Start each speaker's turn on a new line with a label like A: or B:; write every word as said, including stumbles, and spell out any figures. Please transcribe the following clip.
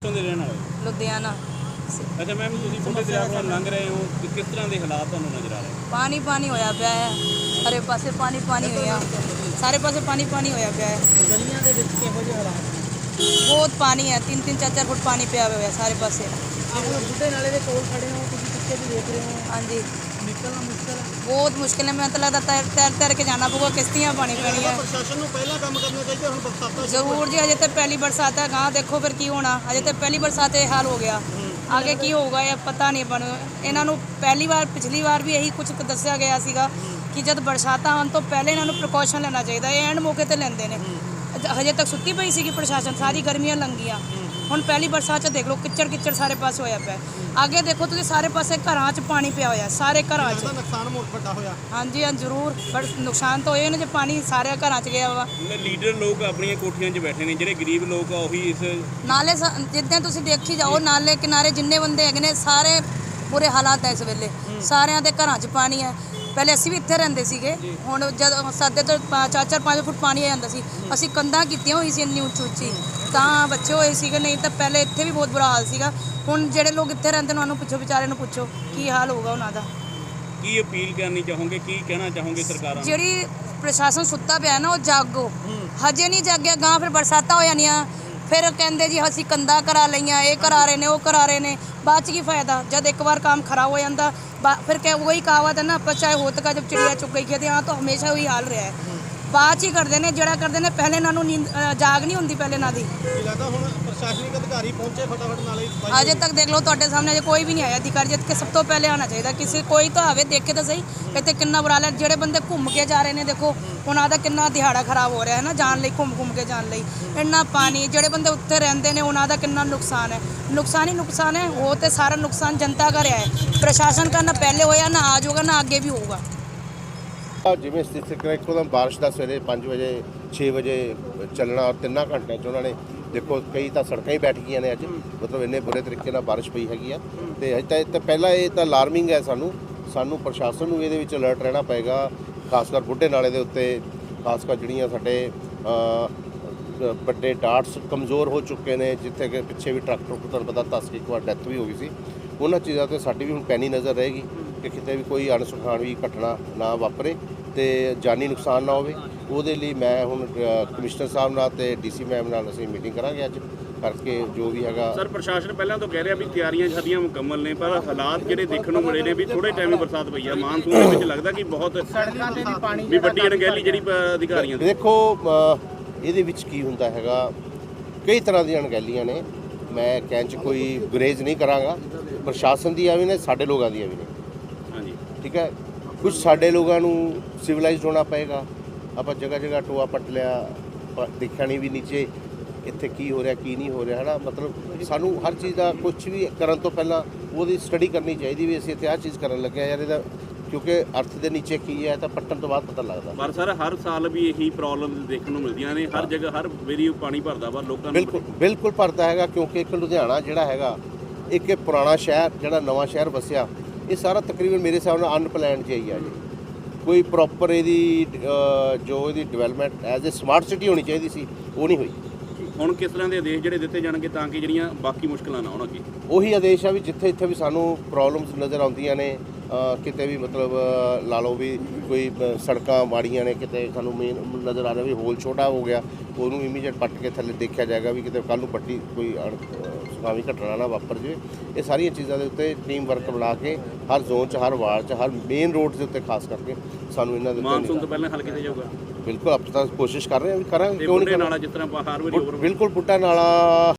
A: ਦੇ ਰਹਿਣ ਵਾਲੇ
B: ਲੁਧਿਆਣਾ।
A: ਅੱਛਾ ਮੈਮ, ਤੁਸੀਂ ਬੁੱਢੇ ਦਰਿਆ ਕੋਲ ਲੰਘ ਰਹੇ ਹੋ ਕਿ ਕਿਸ ਤਰ੍ਹਾਂ ਦੇ ਹਾਲਾਤ ਤੁਹਾਨੂੰ ਨਜ਼ਰ ਆ ਰਹੇ?
B: ਪਾਣੀ ਪਾਣੀ ਹੋਇਆ ਪਿਆ ਹੈ, ਸਾਰੇ ਪਾਸੇ ਪਾਣੀ ਪਾਣੀ ਹੋਇਆ, ਸਾਰੇ ਪਾਸੇ ਪਾਣੀ ਪਾਣੀ ਹੋਇਆ ਪਿਆ ਹੈ।
C: ਗਲੀਆਂ ਦੇ ਵਿੱਚ ਕਿਹੋ ਜਿਹੇ ਹਾਲਾਤ?
B: ਬਹੁਤ ਪਾਣੀ ਹੈ, ਤਿੰਨ ਤਿੰਨ ਚਾਰ ਚਾਰ ਫੁੱਟ ਪਾਣੀ ਪਿਆ ਹੋਇਆ ਸਾਰੇ ਪਾਸੇ।
C: ਆਪ ਲੋਕ ਬੁੱਢੇ ਨਾਲੇ ਦੇ ਕੋਲ ਖੜੇ ਹੋ, ਤੁਸੀਂ ਪਿੱਛੇ ਵੀ ਦੇਖ ਰਹੇ ਹੋ,
B: ਹਾਂਜੀ,
C: ਨਿਕਲਣਾ ਮੁਸ਼ਕਲ ਹੈ।
B: ਬਹੁਤ ਮੁਸ਼ਕਿਲ ਹੈ। ਮੈਨੂੰ ਤਾਂ ਲੱਗਦਾ ਤੈਰ ਤੈਰ ਤੈਰ ਕੇ ਜਾਣਾ ਪਊਗਾ, ਕਿਸ਼ਤੀਆਂ ਪਾਣੀ ਪੈਣੀ ਹੈ।
C: ਪ੍ਰਸ਼ਾਸਨ ਨੂੰ ਪਹਿਲਾਂ ਕੰਮ ਕਰਨਾ ਚਾਹੀਦਾ, ਹੁਣ ਬਰਸਾਤਾਂ
B: ਜ਼ਰੂਰ ਜੀ, ਅਜੇ ਤਾਂ ਪਹਿਲੀ ਬਰਸਾਤ ਹੈ, ਗਾਂ ਦੇਖੋ ਫਿਰ ਕੀ ਹੋਣਾ। ਅਜੇ ਤਾਂ ਪਹਿਲੀ ਬਰਸਾਤ ਇਹ ਹਾਲ ਹੋ ਗਿਆ, ਆਗੇ ਕੀ ਹੋਊਗਾ ਇਹ ਪਤਾ ਨਹੀਂ ਬਣ। ਇਹਨਾਂ ਨੂੰ ਪਹਿਲੀ ਵਾਰ ਪਿਛਲੀ ਵਾਰ ਵੀ ਇਹੀ ਕੁਝ ਦੱਸਿਆ ਗਿਆ ਸੀਗਾ ਕਿ ਜਦ ਬਰਸਾਤਾਂ ਆਉਣ ਤੋਂ ਪਹਿਲੇ ਇਹਨਾਂ ਨੂੰ ਪ੍ਰੀਕਾਸ਼ਨ ਲੈਣਾ ਚਾਹੀਦਾ। ਇਹ ਐਂਡ ਮੌਕੇ ਤੇ ਲੈਂਦੇ ਨੇ। ਹਜੇ ਤੱਕ ਸੁੱਤੀ ਪਈ ਸੀਗੀ ਪ੍ਰਸ਼ਾਸਨ, ਸਾਰੀ ਗਰਮੀਆਂ ਲੰਘੀਆਂ, ਹੁਣ ਪਹਿਲੀ ਬਰਸਾਤ 'ਚ ਦੇਖ ਲਓ ਕਿੱਚੜ ਕਿੱਚੜ ਸਾਰੇ ਪਾਸੇ ਹੋਇਆ ਪਿਆ। ਅੱਗੇ ਦੇਖੋ ਤੁਸੀਂ, ਸਾਰੇ ਪਾਸੇ ਘਰਾਂ 'ਚ ਪਾਣੀ ਪਿਆ ਹੋਇਆ, ਸਾਰੇ ਘਰਾਂ 'ਚ।
C: ਨੁਕਸਾਨ ਬਹੁਤ ਵੱਡਾ ਹੋਇਆ।
B: ਹਾਂਜੀ ਹਾਂ ਜ਼ਰੂਰ, ਬਟ ਨੁਕਸਾਨ ਤਾਂ ਹੋਏ ਨੇ ਜੇ ਪਾਣੀ ਸਾਰੇ ਘਰਾਂ 'ਚ ਗਿਆ ਵਾ।
A: ਲੀਡਰ ਲੋਕ ਆਪਣੀਆਂ ਕੋਠੀਆਂ 'ਚ ਬੈਠੇ ਨੇ, ਜਿਹੜੇ ਗਰੀਬ ਲੋਕ ਆ ਉਹੀ ਇਸ
B: ਨਾਲੇ ਸ- ਜਿੱਦਾਂ ਤੁਸੀਂ ਦੇਖੀ ਜਾਓ, ਨਾਲੇ ਕਿਨਾਰੇ ਜਿੰਨੇ ਬੰਦੇ ਹੈਗੇ ਨੇ ਸਾਰੇ ਬੁਰੇ ਹਾਲਾਤ ਹੈ ਇਸ ਵੇਲੇ। ਸਾਰਿਆਂ ਦੇ ਘਰਾਂ 'ਚ ਪਾਣੀ ਹੈ। ਪਹਿਲੇ ਅਸੀਂ ਵੀ ਇੱਥੇ ਰਹਿੰਦੇ ਸੀਗੇ, ਹੁਣ ਜਦ ਸਾਡੇ ਤੋਂ ਪਾ- ਚਾਰ ਚਾਰ ਪੰਜ ਫੁੱਟ ਪਾਣੀ ਆ ਜਾਂਦਾ ਸੀ, ਅਸੀਂ ਕੰਧਾਂ ਕੀਤੀਆਂ ਹੋਈ ਸੀ ਇੰਨੀ ਉੱਚੀ ਉੱਚੀ, ਤਾਂ ਬੱਚੇ ਹੋਏ ਸੀਗੇ। ਨਹੀਂ ਤਾਂ ਪਹਿਲੇ ਇੱਥੇ ਵੀ ਬਹੁਤ ਬੁਰਾ ਹਾਲ ਸੀਗਾ। ਹੁਣ ਜਿਹੜੇ ਲੋਕ ਇੱਥੇ ਰਹਿੰਦੇ ਨੇ ਉਹਨਾਂ ਨੂੰ ਪੁੱਛੋ, ਵਿਚਾਰੇ ਨੂੰ ਪੁੱਛੋ ਕੀ ਹਾਲ ਹੋਊਗਾ ਉਹਨਾਂ ਦਾ।
A: ਕੀ ਅਪੀਲ ਕਰਨੀ ਚਾਹੋਗੇ, ਕੀ ਕਹਿਣਾ ਚਾਹੋਗੇ ਸਰਕਾਰਾਂ ਨੂੰ?
B: ਜਿਹੜੀ ਪ੍ਰਸ਼ਾਸਨ ਸੁੱਤਾ ਪਿਆ ਨਾ, ਉਹ ਜਾਗੋ। ਹਜੇ ਨਹੀਂ ਜਾਗਿਆ, ਗਾਂ ਫਿਰ ਬਰਸਾਤਾਂ ਹੋ ਜਾਣੀਆਂ, ਫਿਰ ਕਹਿੰਦੇ ਜੀ ਅਸੀਂ ਕੰਧਾਂ ਕਰਾ ਲਈਆਂ, ਇਹ ਕਰਾ ਰਹੇ ਨੇ, ਉਹ ਕਰਾ ਰਹੇ ਨੇ। ਬਾਅਦ 'ਚ ਕੀ ਫਾਇਦਾ ਜਦ ਇੱਕ ਵਾਰ ਕੰਮ ਖਰਾਬ ਹੋ ਜਾਂਦਾ। फिर क्या वही कहावत है ना, पर चाहे होत का जब चिड़िया चुग गई खेते, यहाँ तो हमेशा वही हाल रहा है। ਬਾਅਦ 'ਚ ਹੀ ਕਰਦੇ ਨੇ ਜਿਹੜਾ ਕਰਦੇ ਨੇ, ਪਹਿਲੇ ਇਹਨਾਂ ਨੂੰ ਨੀਂਦ ਜਾਗ ਨਹੀਂ ਹੁੰਦੀ ਪਹਿਲੇ ਇਹਨਾਂ ਦੀ।
C: ਲੱਗਦਾ ਹੁਣ ਪ੍ਰਸ਼ਾਸਨਿਕ ਅਧਿਕਾਰੀ ਪਹੁੰਚੇ ਫਟਾਫਟ ਨਾਲੇ।
B: ਅਜੇ ਤੱਕ ਦੇਖ ਲਓ ਤੁਹਾਡੇ ਸਾਹਮਣੇ ਅਜੇ ਕੋਈ ਵੀ ਨਹੀਂ ਆਇਆ ਅਧਿਕਾਰੀ, ਜਿੱਤ ਕੇ ਸਭ ਤੋਂ ਪਹਿਲੇ ਆਉਣਾ ਚਾਹੀਦਾ। ਕਿਸੇ ਕੋਈ ਤਾਂ ਆਵੇ, ਦੇਖੇ ਤਾਂ ਸਹੀ ਇੱਥੇ ਕਿੰਨਾ ਬੁਰਾ ਹਾਲ ਹੈ। ਜਿਹੜੇ ਬੰਦੇ ਘੁੰਮ ਕੇ ਜਾ ਰਹੇ ਨੇ, ਦੇਖੋ ਉਹਨਾਂ ਦਾ ਕਿੰਨਾ ਦਿਹਾੜਾ ਖਰਾਬ ਹੋ ਰਿਹਾ ਹੈ ਨਾ, ਜਾਣ ਲਈ, ਘੁੰਮ ਘੁੰਮ ਕੇ ਜਾਣ ਲਈ। ਇੰਨਾ ਪਾਣੀ, ਜਿਹੜੇ ਬੰਦੇ ਉੱਥੇ ਰਹਿੰਦੇ ਨੇ ਉਹਨਾਂ ਦਾ ਕਿੰਨਾ ਨੁਕਸਾਨ ਹੈ। ਨੁਕਸਾਨ ਹੀ ਨੁਕਸਾਨ ਹੈ। ਉਹ ਤੇ ਸਾਰਾ ਨੁਕਸਾਨ ਜਨਤਾ का ਰਿਹਾ ਹੈ। ਪ੍ਰਸ਼ਾਸਨ का ਨਾ ਪਹਿਲੇ ਹੋਇਆ, ਨਾ आज होगा, ना आगे भी होगा।
D: ਜਿਵੇਂ ਸਥਿਤੀ ਇੱਕੋਦਮ ਬਾਰਿਸ਼ ਦਾ ਸਵੇਰੇ ਪੰਜ ਵਜੇ ਛੇ ਵਜੇ ਚੱਲਣਾ, ਔਰ ਤਿੰਨਾਂ ਘੰਟਿਆਂ 'ਚ ਉਹਨਾਂ ਨੇ ਦੇਖੋ ਕਈ ਤਾਂ ਸੜਕਾਂ ਹੀ ਬੈਠ ਗਈਆਂ ਨੇ ਅੱਜ, ਮਤਲਬ ਇੰਨੇ ਬੁਰੇ ਤਰੀਕੇ ਨਾਲ ਬਾਰਿਸ਼ ਪਈ ਹੈਗੀ ਆ। ਅਤੇ ਅਜੇ ਤਾਂ ਇਹ ਤਾਂ ਪਹਿਲਾਂ ਇਹ ਤਾਂ ਅਲਾਰਮਿੰਗ ਹੈ ਸਾਨੂੰ ਸਾਨੂੰ ਪ੍ਰਸ਼ਾਸਨ ਨੂੰ ਇਹਦੇ ਵਿੱਚ ਅਲਰਟ ਰਹਿਣਾ ਪਏਗਾ, ਖਾਸ ਕਰ ਬੁੱਢੇ ਨਾਲੇ ਦੇ ਉੱਤੇ। ਖਾਸ ਕਰ ਜਿਹੜੀਆਂ ਸਾਡੇ ਵੱਡੇ ਡਾਟਸ ਕਮਜ਼ੋਰ ਹੋ ਚੁੱਕੇ ਨੇ, ਜਿੱਥੇ ਕਿ ਪਿੱਛੇ ਵੀ ਟਰੱਕ ਟਰੁੱਕ ਤੁਹਾਨੂੰ ਪਤਾ ਦੱਸ ਕੇ ਇੱਕ ਵਾਰ ਡੈਥ ਵੀ ਹੋ ਗਈ ਸੀ, ਉਹਨਾਂ ਚੀਜ਼ਾਂ 'ਤੇ ਸਾਡੀ ਵੀ ਹੁਣ ਪੈਣੀ ਨਜ਼ਰ ਰਹੇਗੀ ਕਿ ਕਿਤੇ ਵੀ ਕੋਈ ਅਣਸੁਖਾਵੀ ਘਟਨਾ ਨਾ ਵਾਪਰੇ ਅਤੇ ਜਾਨੀ ਨੁਕਸਾਨ ਨਾ ਹੋਵੇ। ਉਹਦੇ ਲਈ ਮੈਂ ਹੁਣ ਕਮਿਸ਼ਨਰ ਸਾਹਿਬ ਨਾਲ ਅਤੇ ਡੀ ਸੀ ਮੈਮ ਨਾਲ ਅਸੀਂ ਮੀਟਿੰਗ ਕਰਾਂਗੇ ਅੱਜ, ਕਰਕੇ ਜੋ ਵੀ ਹੈਗਾ।
A: ਸਰ, ਪ੍ਰਸ਼ਾਸਨ ਪਹਿਲਾਂ ਤੋਂ ਕਹਿ ਰਿਹਾ ਵੀ ਤਿਆਰੀਆਂ ਸਾਡੀਆਂ ਮੁਕੰਮਲ ਨੇ, ਪਰ ਹਾਲਾਤ ਜਿਹੜੇ ਦੇਖਣ ਨੂੰ ਮਿਲੇ ਨੇ ਵੀ ਥੋੜੇ ਟਾਈਮ ਹੀ ਬਰਸਾਤ ਪਈ ਆ, ਮਾਨਸੂਨ ਦੇ ਵਿੱਚ ਲੱਗਦਾ ਕਿ ਬਹੁਤ ਵੀ ਵੱਡੀ ਅਣਗਹਿਲੀ ਜਿਹੜੀ ਅਧਿਕਾਰੀਆਂ ਦੀ।
D: ਦੇਖੋ ਇਹਦੇ ਵਿੱਚ ਕੀ ਹੁੰਦਾ ਹੈਗਾ, ਕਈ ਤਰ੍ਹਾਂ ਦੀਆਂ ਅਣਗਹਿਲੀਆਂ ਨੇ, ਮੈਂ ਕਹਿਣ 'ਚ ਕੋਈ ਗੁਰੇਜ਼ ਨਹੀਂ ਕਰਾਂਗਾ। ਪ੍ਰਸ਼ਾਸਨ ਦੀਆਂ ਵੀ ਨੇ, ਸਾਡੇ ਲੋਕਾਂ ਦੀਆਂ ਵੀ ਨੇ।
A: ਹਾਂਜੀ, ਠੀਕ
D: ਹੈ। ਕੁਝ ਸਾਡੇ ਲੋਕਾਂ ਨੂੰ ਸਿਵਲਾਈਜ਼ਡ ਹੋਣਾ ਪਏਗਾ। ਆਪਾਂ ਜਗ੍ਹਾ ਜਗ੍ਹਾ ਟੋਆ ਪੱਟ ਲਿਆ, ਦੇਖਿਆ ਨਹੀਂ ਵੀ ਨੀਚੇ ਇੱਥੇ ਕੀ ਹੋ ਰਿਹਾ ਕੀ ਨਹੀਂ ਹੋ ਰਿਹਾ, ਹੈ ਨਾ। ਮਤਲਬ ਸਾਨੂੰ ਹਰ ਚੀਜ਼ ਦਾ ਕੁਝ ਵੀ ਕਰਨ ਤੋਂ ਪਹਿਲਾਂ ਉਹਦੀ ਸਟੱਡੀ ਕਰਨੀ ਚਾਹੀਦੀ ਵੀ ਅਸੀਂ ਇੱਥੇ ਆਹ ਚੀਜ਼ ਕਰਨ ਲੱਗੇ ਯਾਰ, ਇਹਦਾ ਕਿਉਂਕਿ ਅਰਥ ਦੇ ਨੀਚੇ ਕੀ ਹੈ ਤਾਂ ਪੱਟਣ ਤੋਂ ਬਾਅਦ ਪਤਾ ਲੱਗਦਾ।
A: ਪਰ ਸਰ, ਹਰ ਸਾਲ ਵੀ ਇਹੀ ਪ੍ਰੋਬਲਮ ਦੇਖਣ ਨੂੰ ਮਿਲਦੀਆਂ ਨੇ, ਹਰ ਜਗ੍ਹਾ ਹਰ ਵਾਰੀ ਪਾਣੀ ਭਰਦਾ ਵਾ ਲੋਕਾਂ ਨੂੰ।
D: ਬਿਲਕੁਲ ਬਿਲਕੁਲ ਭਰਦਾ ਹੈਗਾ, ਕਿਉਂਕਿ ਇੱਕ ਲੁਧਿਆਣਾ ਜਿਹੜਾ ਹੈਗਾ, ਇੱਕ ਇਹ ਪੁਰਾਣਾ ਸ਼ਹਿਰ ਜਿਹੜਾ ਨਵਾਂ ਸ਼ਹਿਰ ਵਸਿਆ, ਇਹ ਸਾਰਾ ਤਕਰੀਬਨ ਮੇਰੇ ਹਿਸਾਬ ਨਾਲ ਅਨਪਲੈਨਡ ਜਿਹਾ ਹੀ ਆ ਜੀ। ਕੋਈ ਪ੍ਰੋਪਰ ਇਹਦੀ ਜੋ ਇਹਦੀ development as a smart city ਹੋਣੀ ਚਾਹੀਦੀ ਸੀ, ਉਹ ਨਹੀਂ ਹੋਈ।
A: ਹੁਣ ਕਿਸ ਤਰ੍ਹਾਂ ਦੇ ਆਦੇਸ਼ ਜਿਹੜੇ ਦਿੱਤੇ ਜਾਣਗੇ ਤਾਂ ਕਿ ਜਿਹੜੀਆਂ ਬਾਕੀ ਮੁਸ਼ਕਲਾਂ ਨਾ ਆਉਣ ਅੱਗੇ?
D: ਉਹੀ ਆਦੇਸ਼ ਆ ਵੀ ਜਿੱਥੇ ਇੱਥੇ ਵੀ ਸਾਨੂੰ ਪ੍ਰੋਬਲਮਸ ਨਜ਼ਰ ਆਉਂਦੀਆਂ ਨੇ, ਕਿਤੇ ਵੀ ਮਤਲਬ ਲਾ ਲਓ ਵੀ ਕੋਈ ਸੜਕਾਂ ਮਾੜੀਆਂ ਨੇ, ਕਿਤੇ ਸਾਨੂੰ ਮੇਨ ਨਜ਼ਰ ਆ ਰਿਹਾ ਵੀ ਹੋਲ ਛੋਟਾ ਹੋ ਗਿਆ, ਉਹਨੂੰ ਇਮੀਡੀਏਟ ਪੱਟ ਕੇ ਥੱਲੇ ਦੇਖਿਆ ਜਾਏਗਾ ਵੀ ਕਿਤੇ ਕੱਲ੍ਹ ਨੂੰ ਵੱਡੀ ਕੋਈ ਸੁਖਾਵੀ ਘਟਨਾ ਨਾ ਵਾਪਰ ਜਾਵੇ। ਇਹ ਸਾਰੀਆਂ ਚੀਜ਼ਾਂ ਦੇ ਉੱਤੇ ਟੀਮ ਵਰਕ ਬਣਾ ਕੇ ਹਰ ਜ਼ੋਨ 'ਚ, ਹਰ ਵਾਰਡ 'ਚ, ਹਰ ਮੇਨ ਰੋਡ ਦੇ ਉੱਤੇ ਖਾਸ ਕਰਕੇ ਸਾਨੂੰ ਇਹਨਾਂ ਦੇ
A: ਮਾਨਸੂਨ ਤੋਂ ਪਹਿਲਾਂ ਹੱਲ ਕੀਤਾ ਜਾਊਗਾ।
D: ਬਿਲਕੁਲ ਆਪਾਂ ਤਾਂ ਕੋਸ਼ਿਸ਼ ਕਰ ਰਹੇ ਹਾਂ ਵੀ ਕਰਾਂਗੇ, ਕਿਉਂ ਨਹੀਂ।
A: ਨਾਲਾ ਜਿਸ ਤਰ੍ਹਾਂ ਹਰ ਵਾਰੀ
D: ਬਿਲਕੁਲ ਬੁੱਢਾ ਨਾਲਾ